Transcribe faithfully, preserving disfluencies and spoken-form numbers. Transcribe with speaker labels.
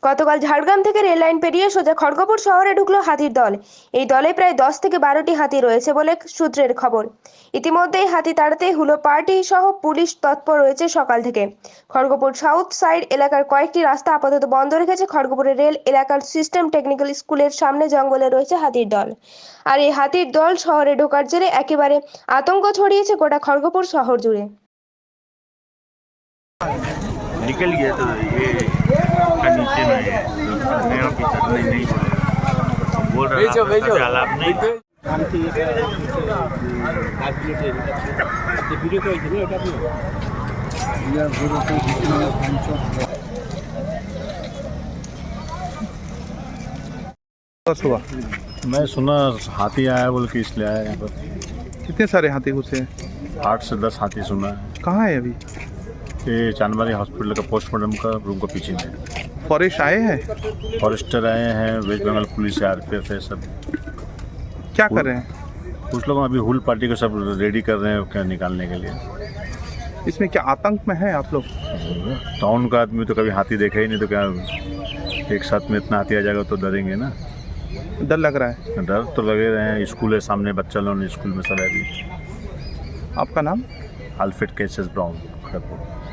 Speaker 1: গতকাল ঝাড়গ্রাম থেকে rail line পেরিয়ে সোজা খড়গপুর শহরে ঢুকলো হাতির দল। এই দলে প্রায় দশ থেকে বারোটি হাতি রয়েছে বলে সূত্রের খবর। ইতিমধ্যেই হাতি তাড়াতে হুলো পার্টি সহ পুলিশ তৎপর রয়েছে সকাল থেকে। খড়গপুর সাউথ সাইড এলাকার কয়েকটি রাস্তা আপাতত বন্ধ রেখেছে খড়গপুরের রেল এলাকার সিস্টেম টেকনিক্যাল স্কুলের সামনে জঙ্গলে রয়েছে হাতির দল। আর এই হাতির দল শহরে ঢোকার জেরে একেবারে আতঙ্ক ছড়িয়েছে গোটা খড়গপুর শহর জুড়ে।
Speaker 2: निकल गया तो ये का नीचे में है मैं ऑफिसर नहीं नहीं बोल रहा
Speaker 3: भेजो भेजो
Speaker 2: अलाप नहीं
Speaker 4: सुबह
Speaker 5: मैं सुना हाथी आया बोल के इसलिए आया यहाँ पर।
Speaker 4: कितने सारे हाथी घुसे हैं?
Speaker 5: आठ से दस हाथी सुना है।
Speaker 4: कहाँ है अभी?
Speaker 5: ये चांदबारी हॉस्पिटल का पोस्टमार्टम का रूम का पीछे में।
Speaker 4: फॉरेस्ट आए हैं?
Speaker 5: फॉरेस्टर आए हैं, वेस्ट बंगाल पुलिस है, आर पी एफ है, सब
Speaker 4: क्या कर रहे हैं?
Speaker 5: कुछ लोग अभी हुल पार्टी को सब रेडी कर रहे हैं क्या निकालने के लिए।
Speaker 4: इसमें क्या आतंक में है आप लोग?
Speaker 5: टाउन का आदमी तो कभी हाथी देखा ही नहीं, तो क्या एक साथ में इतना हाथी आ जाएगा तो डरेंगे ना।
Speaker 4: डर लग रहा है?
Speaker 5: डर तो लगे रहे हैं। स्कूल है सामने, बच्चा लोग स्कूल में सब है अभी।
Speaker 4: आपका नाम?
Speaker 5: Alfred Cases Brown Kharagpur.